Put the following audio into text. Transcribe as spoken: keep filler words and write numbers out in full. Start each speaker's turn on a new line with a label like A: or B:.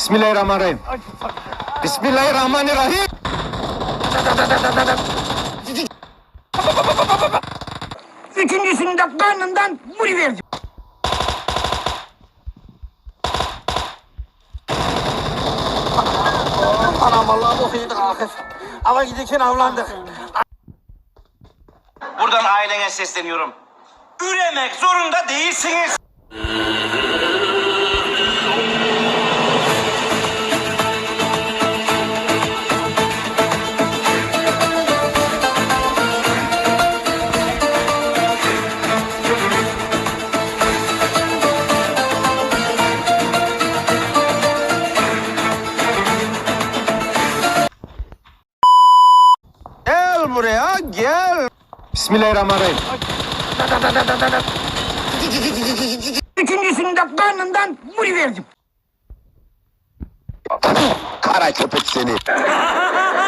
A: Bismillahirrahmanirrahim. Bismillahirrahmanirrahim.
B: Üçüncüsünü de karnından vuruverdim.
C: Anam vallahi bok yedik ahir. Ama giderken avlandık.
D: Buradan ailene sesleniyorum. Üremek zorunda değilsiniz.
A: Gel buraya gel. Bismillahirrahmanirrahim.
B: Üçüncüsünü de karnından vuruverdim.
A: Kara köpek seni.